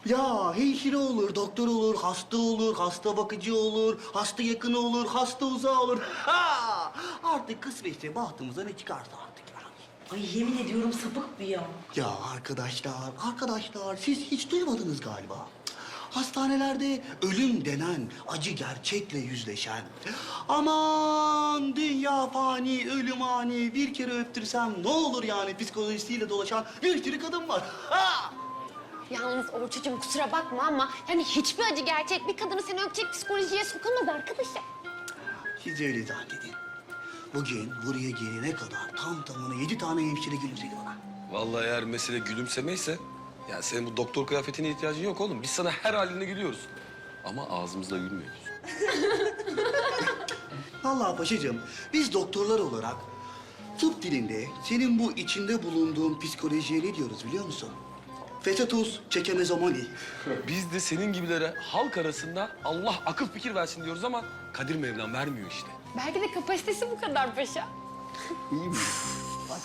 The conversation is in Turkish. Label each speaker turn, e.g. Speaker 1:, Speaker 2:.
Speaker 1: Ya hemşire olur, doktor olur, hasta olur, hasta bakıcı olur, hasta yakını olur, hasta uzağı olur. Ha! Artık kısmetse bahtımıza ne çıkarsa artık yani.
Speaker 2: Ay yemin ediyorum sapık bu ya.
Speaker 1: Ya arkadaşlar siz hiç duymadınız galiba. Hastanelerde ölüm denen acı gerçekle yüzleşen, aman dünya fani, ölüm ani, bir kere öptürsem ne olur yani psikolojisiyle dolaşan bir sürü kadın var. Ha!
Speaker 3: Yalnız Orçucuğum kusura bakma ama yani hiçbir acı gerçek bir kadını seni öpecek psikolojiye sokamaz arkadaşım.
Speaker 1: Siz öyle zannedin. Bugün buraya gelene kadar tam tamına 7 tane hemşire gülümsedi bana.
Speaker 4: Vallahi eğer mesele gülümsemeyse... ...ya senin bu doktor kıyafetine ihtiyacın yok oğlum. Biz sana her haline gülüyoruz. Ama ağzımızla gülmüyoruz.
Speaker 1: Vallahi paşacığım, biz doktorlar olarak tıp dilinde senin bu içinde bulunduğun psikolojiye ne diyoruz biliyor musun? Fesatus çekemezomani.
Speaker 4: Biz de senin gibilere halk arasında Allah akıl fikir versin diyoruz ama Kadir Mevlam vermiyor işte.
Speaker 3: Belki de kapasitesi bu kadar paşa.
Speaker 1: İyi mi?